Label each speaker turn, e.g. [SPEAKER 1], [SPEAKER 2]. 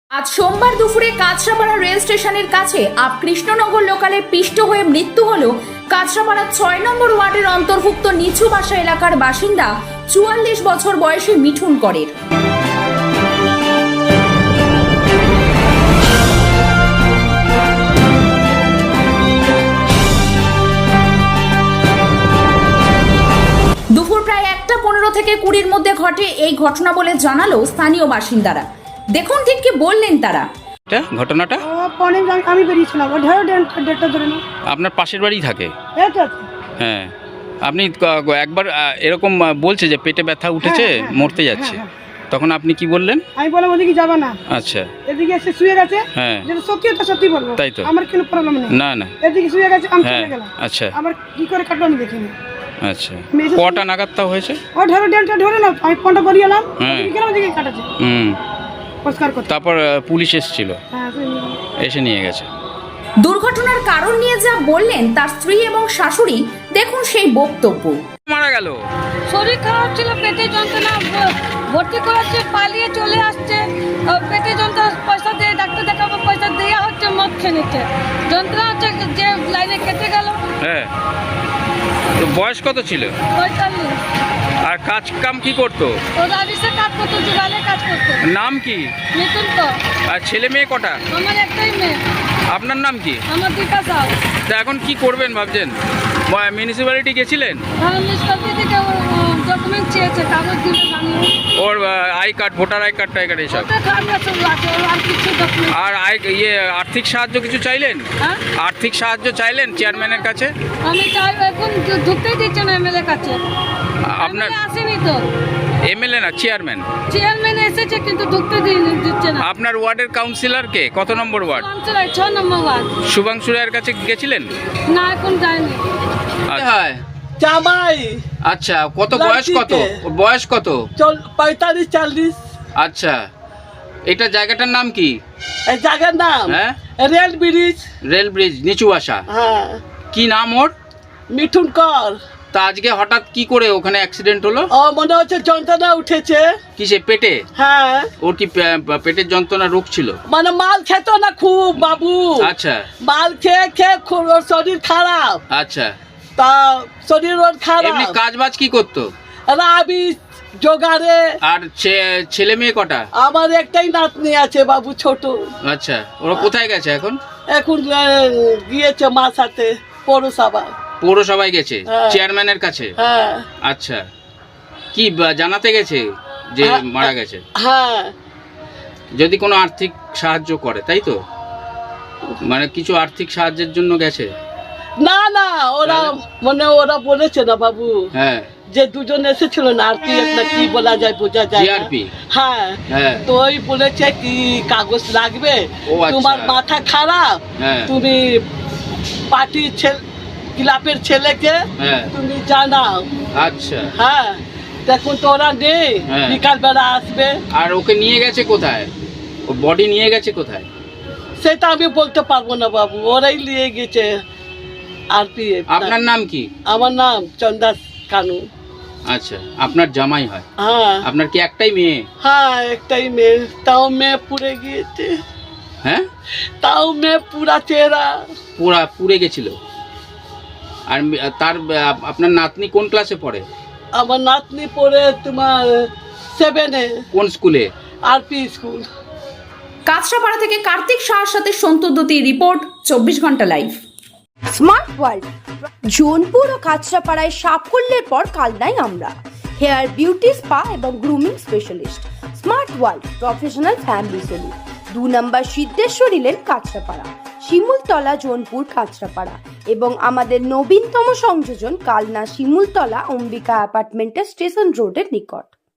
[SPEAKER 1] আজ সোমবার দুপুরে কাঁচরাপাড়া রেল স্টেশনের কাছে কৃষ্ণনগর লোকালে পিষ্ট হয়ে মৃত্যু হল কাঁচরাপাড়া ৬ নম্বর ওয়ার্ডের অন্তর্ভুক্ত নিচু বাসা এলাকার বাসিন্দা ৪৪ বছর বয়সী মিঠুন করের। দুপুর প্রায় ১টা ১৫ থেকে ২০-র মধ্যে ঘটে এই ঘটনা বলে জানালো স্থানীয় বাসিন্দারা। দেখুন ঠিক কি বললেন তারা।
[SPEAKER 2] ঘটনাটা
[SPEAKER 3] আমি বেরিয়েছিলাম দেড়টা ধরে না।
[SPEAKER 2] আপনার পাশের বাড়ি থাকে? হ্যাঁ, আপনি একবার এরকম বলছে যে পেটে ব্যথা উঠেছে, মরতে যাচ্ছে, তখন আপনি কি বললেন?
[SPEAKER 3] আমি বললাম ওদিকে যাবা না।
[SPEAKER 2] আচ্ছা,
[SPEAKER 3] এদিকে এসে শুয়ে গেছে।
[SPEAKER 2] হ্যাঁ,
[SPEAKER 3] যেটা সত্যি তো সত্যি বলবো,
[SPEAKER 2] তাই তো,
[SPEAKER 3] আমার কোনো প্রবলেম নেই।
[SPEAKER 2] না না,
[SPEAKER 3] এদিকে শুয়ে গেছে, আমি চলে গেলাম।
[SPEAKER 2] আচ্ছা,
[SPEAKER 3] আবার কি করে কাটলো আমি দেখিনি।
[SPEAKER 2] আচ্ছা, কটা নাগাদ তাও হয়েছে?
[SPEAKER 3] ও দেড়টা ধরে না, আমি ফোনটা করিয়ে এলাম, কেন দিকে কাটাচ্ছে।
[SPEAKER 2] তারপর পুলিশ এসেছিল, এসে নিয়ে গেছে।
[SPEAKER 1] দুর্ঘটনার কারণ নিয়ে যা বললেন তার স্ত্রী এবং শাশুড়ি, দেখুন সেই বক্তব্য।
[SPEAKER 2] মারা গেল,
[SPEAKER 4] শরীর খারাপ ছিল, পেটে যন্ত্রণা, ভর্তি করাচ্ছে, পালিয়ে চলে আসছে, পেটে যন্ত্রণা, পয়সা দিয়ে ডাক্তার দেখাবো, পয়সা দেওয়া হচ্ছে, মদ খেয়ে নিচ্ছে, যন্ত্রণা হচ্ছে, যে লাইনে কেটে গেল।
[SPEAKER 2] হ্যাঁ, তো বয়স কত ছিল?
[SPEAKER 4] 45।
[SPEAKER 2] আর কাজ কাম কি করতো?
[SPEAKER 4] ও রাবিসে কাজ করতো, জুগালে কাজ করতো।
[SPEAKER 2] নাম কি?
[SPEAKER 4] মিঠুন তো।
[SPEAKER 2] আর ছেলে মেয়ে কটা?
[SPEAKER 4] আমার একটাই মেয়ে।
[SPEAKER 2] আপনার নাম কি?
[SPEAKER 4] আমার দীপা সাউ।
[SPEAKER 2] তা এখন কি করবেন ভাবছেন? মিউনিসিপ্যালিটি গেছিলেন?
[SPEAKER 4] মিউনিসিপালিটি থেকে ডকুমেন্ট চেয়েছে, কাগজ দিলে বানিয়ে।
[SPEAKER 2] ওর I card, voter I card টাই কার্ড এসব?
[SPEAKER 4] আর কিছু ডকুমেন্ট।
[SPEAKER 2] আর আর্থিক সাহায্য কিছু চাইলেন? আর্থিক সাহায্য চাইলেন চেয়ারম্যানের কাছে?
[SPEAKER 4] আমি চাই, এখন ঢুকতেই দিচ্ছে না এমএলএ কাছে।
[SPEAKER 2] আপনার
[SPEAKER 4] আসেনি তো?
[SPEAKER 2] এমএলএ না, চেয়ারম্যান?
[SPEAKER 4] চেয়ারম্যান এসেছে কিন্তু ঢুকতে দিচ্ছে না।
[SPEAKER 2] আপনার ওয়ার্ডের কাউন্সিলর কে? কত নম্বর ওয়ার্ড?
[SPEAKER 4] 6 নম্বর ওয়ার্ড।
[SPEAKER 2] শুভাংশু রায়ের কাছে গেছিলেন?
[SPEAKER 4] না, এখন যায়নি।
[SPEAKER 2] হ্যাঁ,
[SPEAKER 3] জামাই।
[SPEAKER 2] আচ্ছা, কত বয়স? কত বয়স? কত?
[SPEAKER 3] 45-40।
[SPEAKER 2] আচ্ছা, এটা জায়গাটার নাম কি?
[SPEAKER 3] এই জায়গার নাম রেল ব্রিজ।
[SPEAKER 2] রেল ব্রিজ, নিচু বাসা।
[SPEAKER 3] হ্যাঁ।
[SPEAKER 2] কি নাম ওর?
[SPEAKER 3] মিঠুন কর।
[SPEAKER 2] তা আজকে হঠাৎ কি করে ওখানে অ্যাক্সিডেন্ট হলো?
[SPEAKER 3] ও মনে হচ্ছে যন্ত্রণা উঠেছে।
[SPEAKER 2] কিসে? পেটে?
[SPEAKER 3] হ্যাঁ।
[SPEAKER 2] ওর কি পেটের যন্ত্রণা রোগ ছিল?
[SPEAKER 3] মানে মাল খেত না খুব বাবু।
[SPEAKER 2] আচ্ছা,
[SPEAKER 3] মাল খেয়ে ওর শরীর খারাপ।
[SPEAKER 2] আচ্ছা,
[SPEAKER 3] তা শরীর ওর খারাপ।
[SPEAKER 2] এমনি কাজ বাজ কি করতো?
[SPEAKER 3] আমি জোগাড়ে।
[SPEAKER 2] আর ছেলে মেয়ে কটা?
[SPEAKER 3] আমার একটাই নাতনি আছে বাবু, ছোট।
[SPEAKER 2] আচ্ছা, ওরা কোথায় গেছে এখন?
[SPEAKER 3] এখন গিয়েছে মার সাথে
[SPEAKER 2] পৌরসভায় গেছে,
[SPEAKER 3] হ্যাঁ।
[SPEAKER 2] চেয়ারম্যানের কাছে।
[SPEAKER 3] হ্যাঁ।
[SPEAKER 2] আচ্ছা, কি জানাতে গেছে যে মারা গেছে?
[SPEAKER 3] হ্যাঁ।
[SPEAKER 2] যদি কোনো আর্থিক সাহায্য করে, তাই তো? মানে কিছু আর্থিক সাহায্যের জন্য গেছে?
[SPEAKER 3] না না, ওরা বলেছে না বাবু।
[SPEAKER 2] হ্যাঁ,
[SPEAKER 3] যে দুজন এসেছিল না, আর কি একটা কি বলা যায়, বোঝা যায়
[SPEAKER 2] জিআরপি।
[SPEAKER 3] হ্যাঁ, তো ওই বলেছে কি কাগজ লাগবে, তোমার মাথা খারাপ, তুমি পার্টির ক্লাবের ছেলেকে তুমি জানাও।
[SPEAKER 2] আচ্ছা,
[SPEAKER 3] হ্যাঁ, দেখুন তো ওরা নেই, বিকাল বেলা আসবে।
[SPEAKER 2] আর ওকে নিয়ে গেছে কোথায়? ও বডি নিয়ে গেছে কোথায়
[SPEAKER 3] সেটা আমি বলতে পারবো না বাবু, ওরাই নিয়ে গেছে। আর
[SPEAKER 2] আপনার নাম কি?
[SPEAKER 3] আমার নাম চন্দাস কানু।
[SPEAKER 2] আচ্ছা, আপনার জামাই হয়?
[SPEAKER 3] হ্যাঁ।
[SPEAKER 2] আপনার কি একটাই মেয়ে?
[SPEAKER 3] হ্যাঁ, একটাই মেয়ে, তাও মেয়ে পুড়ে গিয়েছে।
[SPEAKER 2] হ্যাঁ,
[SPEAKER 3] তাও মেয়ে পুরা চেহারা
[SPEAKER 2] পুড়ে গেছিল। আর আপনার নাতনি কোন ক্লাসে পড়ে?
[SPEAKER 3] আমার নাতনি পড়ে তোমার 7-এ।
[SPEAKER 2] কোন স্কুলে?
[SPEAKER 3] RP school.
[SPEAKER 1] কাঁচরাপাড়া থেকে কার্তিক শাহর সাথে সন্তোদ্যুতি রিপোর্ট, 24 ঘন্টা লাইভ।
[SPEAKER 5] স্মার্ট ওয়ার্ল্ড, জোনপুর ও কাঁচরাপাড়ায় সাফল্যের পর কালনায় আমরা। হেয়ার বিউটি, স্পা এবং grooming specialist. Smart world professional family salon, 2 নম্বর সিদ্ধেশ্বরী লেন, কাঁচরাপাড়া, শিমুলতলা, জোনপুর, কাঁচরাপাড়া এবং আমাদের নবীনতম সংযোজন কালনা শিমুলতলা অম্বিকা অ্যাপার্টমেন্টের স্টেশন রোডের নিকট।